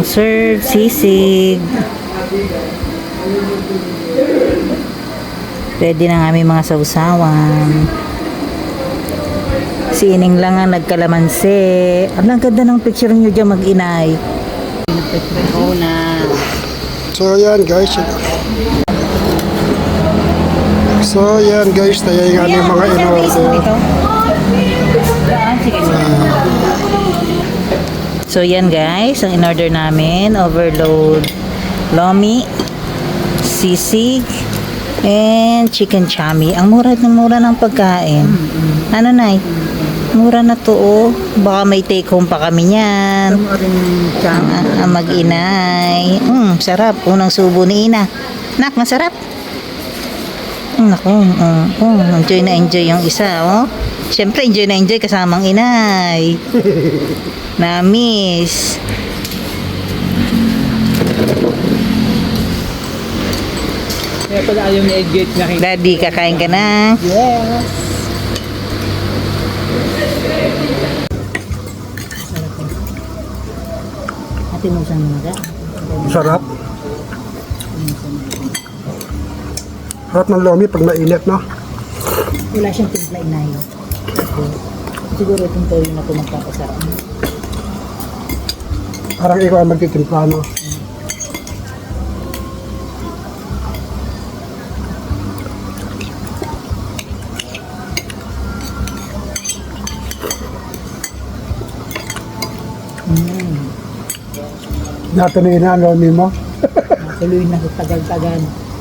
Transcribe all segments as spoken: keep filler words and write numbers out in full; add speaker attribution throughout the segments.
Speaker 1: serve, sisig. Ready na nga aming mga sausawan. Si Ining lang ang nagkalamansi. Ang ganda ng picture nyo dyan, mag-inay. Oo na.
Speaker 2: So yan guys. So yan guys, tayo yung ano yung mga in-order.
Speaker 1: So yan guys, ang in-order namin, overload lomi, sisig, and chicken chami. Ang mura ng mura ng pagkain. Ano nay? Mura na to oh. Baka may take home pa kami niyan. Ang, ang mag-inay. Mm, sarap. Unang subo ni Ina. Nak, masarap. Mm, naku, mm, mm, enjoy na enjoy yung isa oh. Siyempre enjoy na enjoy kasamang inay. Na-miss.
Speaker 3: Kaya pala ayaw ni Edgate na kita.
Speaker 1: Daddy, kakain ka na?
Speaker 3: Yes.
Speaker 1: Ate mo saan mga?
Speaker 2: Sarap. Sarap ng lomi pag mainit, no?
Speaker 1: Wala siyang timpla inay. Siguro itong toyo na ito magpapasarap.
Speaker 2: Parang ikaw ang magtitimpla, no?
Speaker 1: Mm.
Speaker 2: Natuloy na ang lomi mo.
Speaker 1: Tuloy na sa tagal-tagal.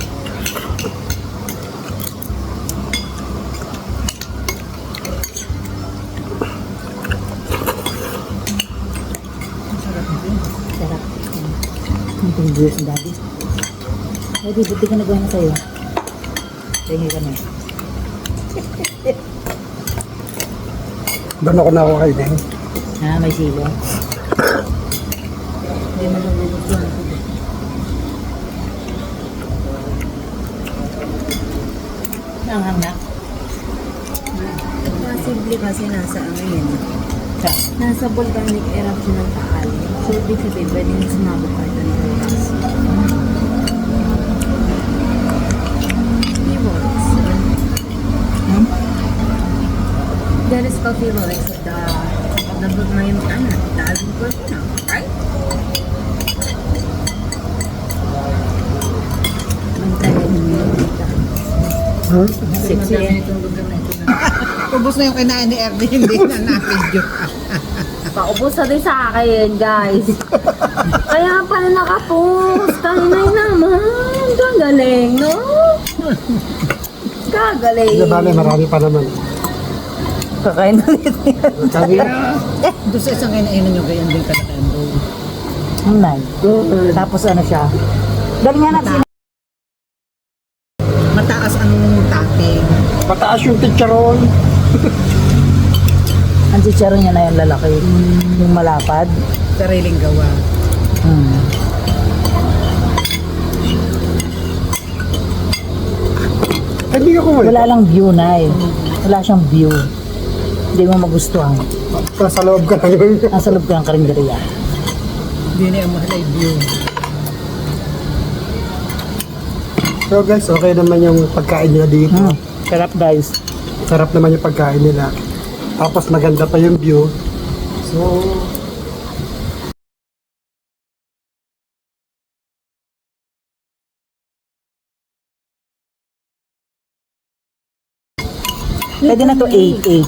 Speaker 1: Sarap. Itong juice ng daddy. Daddy, buti ka nagawa na sa'yo. Tingin ka na.
Speaker 2: Doon ako na ako kay Deng.
Speaker 1: Ah, may silo. Hindi mo nalulog yan. Nanghang na.
Speaker 4: Possibly kasi nasa ano yun.
Speaker 1: Sa?
Speaker 4: Nasa volcanic eruption ng Taal. So, ibig sabihin, pwede nang sumabot pa ito ng bukas. He works.
Speaker 1: Hmm?
Speaker 4: That is coffee works at the, the, the, may, ano, the Alvin Cortina, right? Ang tagal niyo.
Speaker 2: Hmm?
Speaker 1: Sexy eh.
Speaker 3: Ubus na yung kinain ni Ernie, hindi na na-video.
Speaker 4: Paubos na din sa akin, guys. Kaya pala nakapost. Kainay naman. Gagaling, no? Gagaling.
Speaker 2: Hindi bale, marami pa naman.
Speaker 1: Kakain ulit yan.
Speaker 2: Sabi,
Speaker 3: Doon sa isang kinainan nyo, ganyan din talaga ang bowl.
Speaker 1: Ang nice. Tapos ano siya? Dali nga natin.
Speaker 3: Mataas ang topping.
Speaker 2: pataas yung chicharon.
Speaker 1: Ang chicharon niya na yung lalaki. Yung malapad.
Speaker 3: Sariling gawa.
Speaker 1: Hmm.
Speaker 2: Hindi ako mo.
Speaker 1: Wala lang view na eh. Wala siyang view. Hindi mo magustuhan.
Speaker 2: Sa loob ka na yun.
Speaker 1: Nasa loob ka ng karinderiya.
Speaker 3: Hindi na yung mahal ay view.
Speaker 2: So guys, okay naman yung pagkain nila dito.
Speaker 1: Hmm. Sarap guys.
Speaker 2: Sarap naman yung pagkain nila. Tapos maganda pa yung view. So,
Speaker 1: Pwede na to eight eight.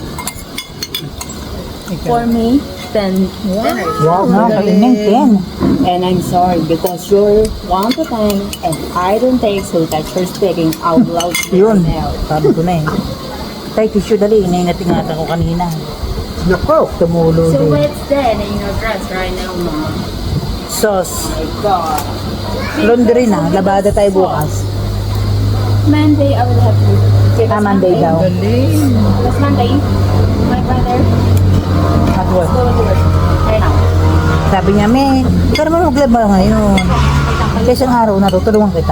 Speaker 4: For me, ten.
Speaker 2: wow.
Speaker 1: No, kaining ten.
Speaker 5: And I'm sorry because you're one to ten and I don't take so that you're speaking out loud to
Speaker 1: Yun.
Speaker 5: yourself.
Speaker 1: Sabi ko na eh. Tay, tissue dali. Inaingat-ingatan ko kanina.
Speaker 2: Nako.
Speaker 1: Tumulo
Speaker 5: So
Speaker 1: din.
Speaker 5: what's that in your dress right now, Mom?
Speaker 1: Sauce.
Speaker 5: My God.
Speaker 1: Laundry na. Labada tayo bukas.
Speaker 5: Monday I will have to. Okay,
Speaker 1: Ah, Monday daw.
Speaker 3: Galing.
Speaker 5: What's Monday? My brother
Speaker 1: At work.
Speaker 5: go to work right now.
Speaker 1: Sabi niya, me, di ka naman maglaba ngayon. Kaya isang araw na to, tulungan kita.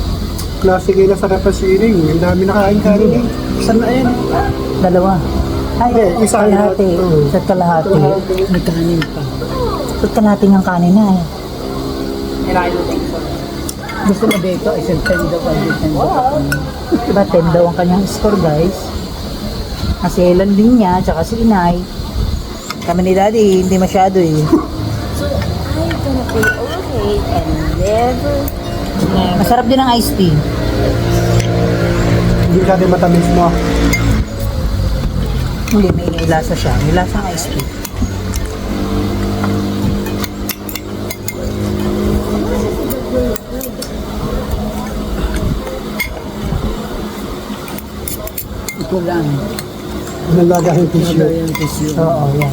Speaker 2: Klase kayo na sarap na siling. Ang dami nakain kanin eh. Saan na yan?
Speaker 1: Dalawa. Ay,
Speaker 2: Hindi, isa
Speaker 1: kalahati.
Speaker 2: Oo.
Speaker 1: Isa't kalahati.
Speaker 3: May kanin pa.
Speaker 1: Isa't kalahati ng kanin na eh.
Speaker 5: And I don't think so.
Speaker 3: Gusto mo dito, isang tendo pa dito.
Speaker 1: Diba, ten daw ang kanyang score, guys. Kasi ilan din niya, tsaka si Inay. Kami ni Daddy, hindi masyado eh.
Speaker 4: So, I'm gonna be okay and never...
Speaker 1: Masarap din ang iced tea.
Speaker 2: Hindi ka din matamis mo.
Speaker 1: Hindi, may lasa siya. May lasa ang iced tea.
Speaker 3: Ito lang.
Speaker 2: Nalagahin tissue.
Speaker 3: Ito yung tissue.
Speaker 1: Oo, yan.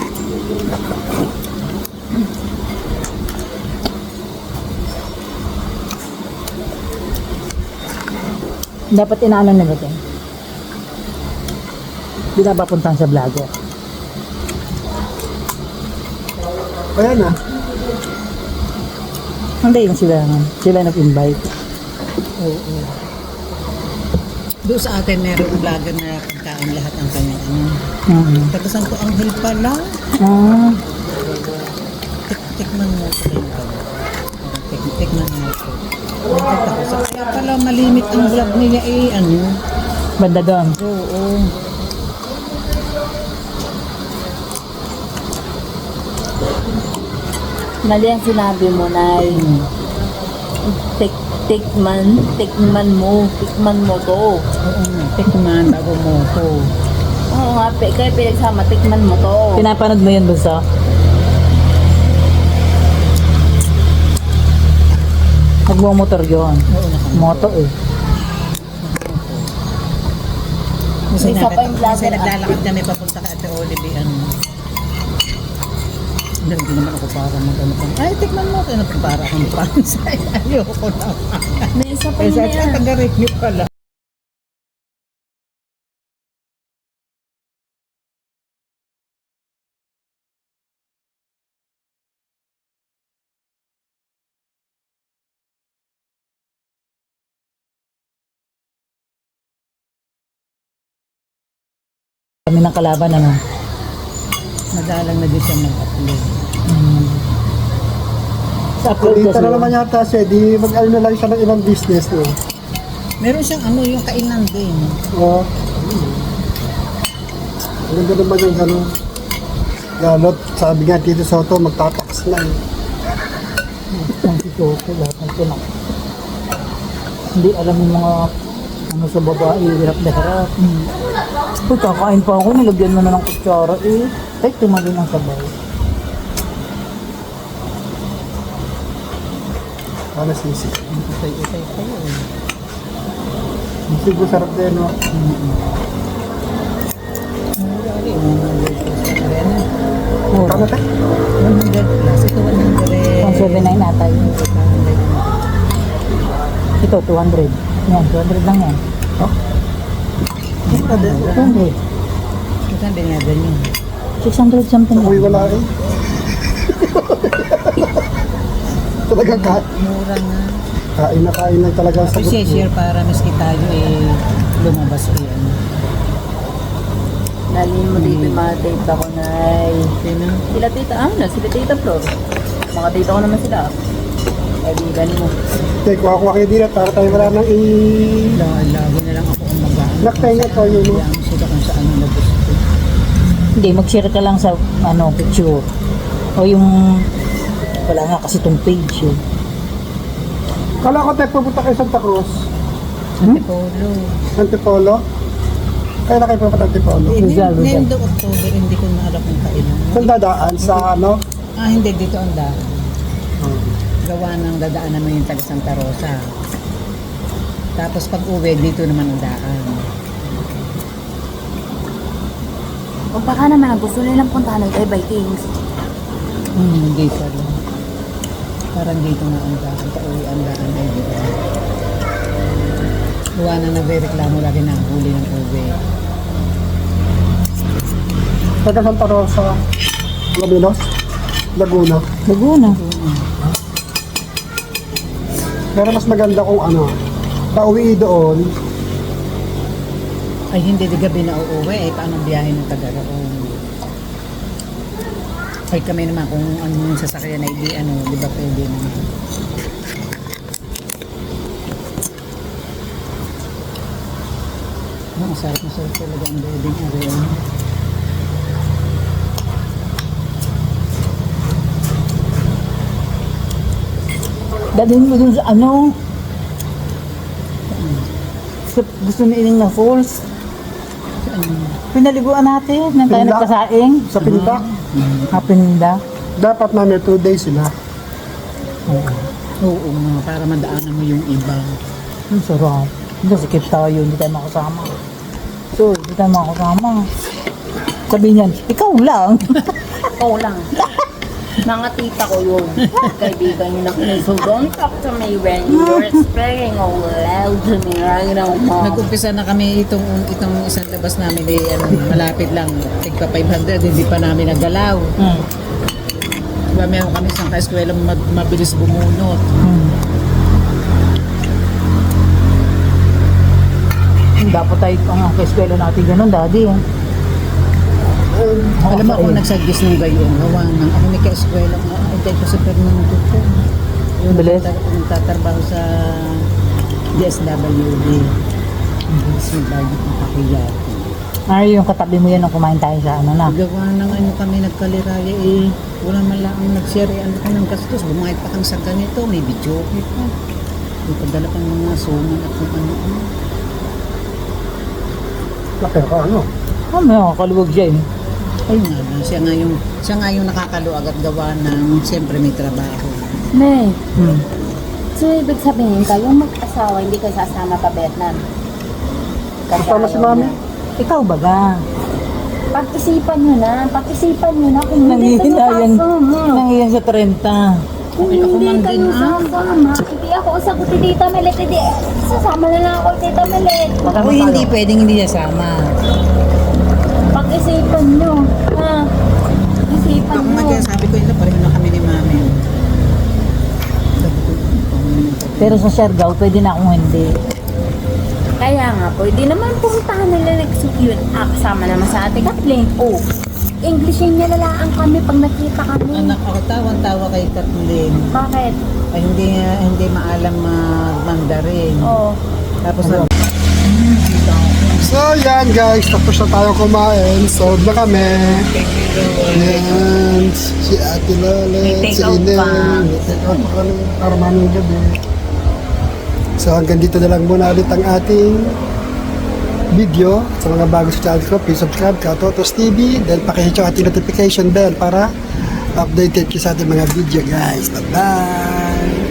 Speaker 1: Dapat inaano na ba ito? Hindi na ba puntahan sa vlogger?
Speaker 2: Ayan na.
Speaker 1: Hindi, yung sila naman. Sila nag-invite.
Speaker 3: Doon sa atin, meron vlogger na pagkaan lahat ng kanyang ano.
Speaker 1: Mm-hmm.
Speaker 3: Taga Santo Anghel pala.
Speaker 1: Ah,
Speaker 3: Tik tikman mo ito yung kanya. Tik tikman mo ito. Nagtatapos. Kaya pala malimit ang vlog niya eh, ano.
Speaker 1: banda doon.
Speaker 3: Oo.
Speaker 4: Mali ang sinabi mo, Nay. Tik, tikman, tikman mo, tikman mo to.
Speaker 3: Oo nga, tikman bago mo ito.
Speaker 4: Oo nga, pe, kaya pinagsama, tikman mo to.
Speaker 1: Pinapanood mo yun, Bunso? Nagmumotor yun.
Speaker 3: Oo nga.
Speaker 1: Moto eh.
Speaker 3: Kasi,
Speaker 4: Isa pa yung vlogger,
Speaker 3: kasi
Speaker 4: ah.
Speaker 3: naglalakad kami papunta ka Ate Olive, ano. Hindi naman ako para mag-ano pa. Ay, tikman mo. Ano pa para akong Francis. Ay, ayoko na.
Speaker 4: May isa pa
Speaker 3: Kasi
Speaker 4: yun
Speaker 3: at
Speaker 4: yan.
Speaker 3: taga-review pala.
Speaker 1: Kami ng kalaban, ano?
Speaker 3: Madalang na din siya mag-upload.
Speaker 1: Sa upload
Speaker 2: Dito
Speaker 1: kasi.
Speaker 2: na naman yata siya. Di mag-ano na lang siya ng ibang business. No?
Speaker 3: Meron siyang ano, yung kainan din.
Speaker 2: Oo. Ang ganda naman yung gano'n. Galot, sabi nga Tito Soto, magtatakas na. eh.
Speaker 1: Ang sikoto, lahat ng tinak. Hindi alam yung mga ano sa babae, hirap na hirap. Uy, kakain pa ako, nilagyan mo na ng kutsara eh. Ay, tumalin ang sabay.
Speaker 2: Ano sisi?
Speaker 3: Utay-utay kayo.
Speaker 2: Siguro sarap din, no? Kano ka?
Speaker 3: one hundred plus. Ito one hundred.
Speaker 1: one seventy-nine ata yun. Ito, two hundred. Yan, two hundred lang yan.
Speaker 2: Oh?
Speaker 1: two hundred.
Speaker 3: Ito din nga ganyan.
Speaker 1: six hundred something
Speaker 2: Uy,
Speaker 1: lang.
Speaker 2: wala eh. Talagang ka
Speaker 3: Mura nga.
Speaker 2: kain na kain na talaga sa
Speaker 3: Tapos share para maski tayo eh lumabas eh. Ano.
Speaker 4: Nalin mo dito yung mga tita ko, Nay.
Speaker 3: Sino?
Speaker 4: Sila tita, ah, na, sila tita Flor. Mga tita ko naman sila. Eh, di ganin mo.
Speaker 2: Take, kuha-kuha kayo dito para tayo wala nang i...
Speaker 3: Lagi, lagi na lang ako ang mag-ano.
Speaker 2: Naktainga to yun, no?
Speaker 3: Hayaan sila kung saan ang nagusto.
Speaker 1: Hindi, mag-share ka lang sa ano, picture. O yung, wala nga kasi itong page eh.
Speaker 2: Kala ko tayo pupunta kayo Santa Cruz.
Speaker 3: Antipolo.
Speaker 2: Antipolo. Kaya na kayo pupunta Antipolo.
Speaker 3: Hindi,
Speaker 1: Rizal, Rizal.
Speaker 3: Nendo October, hindi ko na alam kung kailan.
Speaker 2: Saan dadaan? Sa ano?
Speaker 3: Ah, hindi, dito ang daan. Gawa ng dadaan naman yung taga Santa Rosa. Tapos pag uwi, dito naman ang daan.
Speaker 4: O baka naman, ang gusto nilang puntahan ito ay Vikings.
Speaker 3: Hmm, hindi pala. Parang dito nga ang daan. Pauwi ang daan ay dito. Gawa na nagre-reklamo lagi na ang huli ng uwi.
Speaker 2: Taga Santa Rosa. Labinos? Laguna.
Speaker 1: Laguna.
Speaker 2: Pero mas maganda kung ano, pauwi doon,
Speaker 3: Ay, hindi, di gabi na uuwi. Eh, paano biyahe ng Tagaroon? Ay, kami naman kung ano yung sasakyan na hindi, ano, di ba pwede naman. Oh, ang sarap na sarap talaga ang building area.
Speaker 1: Dalhin mo dun sa ano? Sa, gusto ni Ining na falls. Pinaliguan natin. Nang tayo
Speaker 2: Pinda.
Speaker 1: nagpasaing.
Speaker 2: Sa pinta,
Speaker 1: Hapininda.
Speaker 2: dapat namin two days sila.
Speaker 3: Oo nga, para madaanan mo yung iba.
Speaker 1: Ang sarap. Hindi, sikip tayo. Hindi tayo makasama. So, hindi tayo makasama. Sabi niyan, ikaw lang.
Speaker 5: Ikaw lang. Mga tita ko yun. Kaibigan nyo na kami. So don't talk to me when you're speaking out loud to me right now, mom.
Speaker 3: Nag-umpisa na kami itong itong isang labas namin eh, ano, malapit lang. Tigpa five hundred, hindi pa namin nagalaw.
Speaker 1: Hmm.
Speaker 3: Diba meron kami isang ka-eskwela ma- mabilis bumunot.
Speaker 1: Hmm. Dapat tayo ang eskwela natin ganun, daddy.
Speaker 3: Alam mo kung nagsuggest ng gayon, gawa ng ako may ka-eskwela nga, ay tayo ko sa Fernando ko. Yung
Speaker 1: Bilis?
Speaker 3: nagtatar- nagtatrabaho sa D S W D. Kasi bagay ng kakiyati.
Speaker 1: Ay, yung katabi mo yan nung kumain tayo sa ano na.
Speaker 3: Gawa ng ano kami nagkaliraya eh, wala man lang ang nag-share eh, ano ka ng gastos, bumahit pa kang sa ganito, may video pa. May padala pang mga suman at kung ano-ano.
Speaker 2: Laki ka, ano?
Speaker 1: Oh, may nakakaluwag siya eh.
Speaker 3: Ayun nga ba, siya nga yung, siya nga yung nakakaluag at gawa ng siyempre may trabaho.
Speaker 5: May,
Speaker 1: Hmm.
Speaker 5: so ibig sabihin kayong mag-asawa, hindi kayo sasama pa Vietnam? Kasi
Speaker 2: Kasama si
Speaker 5: ayaw
Speaker 2: mami.
Speaker 5: na.
Speaker 1: Ikaw baga.
Speaker 5: Pag-isipan nyo na, pag-isipan nyo na kung hindi kayo
Speaker 1: Nangihilayan.
Speaker 5: sasama.
Speaker 1: Nangihilayan sa trenta.
Speaker 5: Kung
Speaker 3: Okay, ako
Speaker 5: hindi
Speaker 3: man
Speaker 5: kayo
Speaker 3: din, ah.
Speaker 5: sasama, hindi ako sagot ni Tita Melet, hindi, sasama na lang ako kay Tita Melet.
Speaker 3: Ako hindi pwedeng hindi nasama.
Speaker 5: Pag-isipan nyo, ha? Pag-isipan
Speaker 3: Ako
Speaker 5: nyo.
Speaker 3: nga kaya sabi ko yun, pareho na kami ni mami. Sabi ko,
Speaker 1: Pero sa Siargao, pwede na akong hindi.
Speaker 5: Kaya nga, pwede naman pumuntahan nila nag-secure. Ah, kasama naman sa ate Kathleen. Oh, Englishin niya lalaan kami pag nakita kami.
Speaker 3: anak ako tawang-tawa kay Kathleen.
Speaker 5: Bakit?
Speaker 3: Ay hindi hindi maalam mag-Mandarin.
Speaker 5: Oh,
Speaker 3: Tapos na
Speaker 2: So yan guys, tapos na tayo kumain. Sold na kami. Yan, si Ate Lolet,
Speaker 1: May
Speaker 2: si
Speaker 1: take out
Speaker 2: Inen.
Speaker 1: pa.
Speaker 2: May take out pa kami para maming gabi. So hanggang dito na lang muna ulit ang ating video. Sa mga bago sa channel ko, please subscribe ka Totos T V. Then pakihit yung ating notification bell para updated kayo sa ating mga video guys. Bye-bye!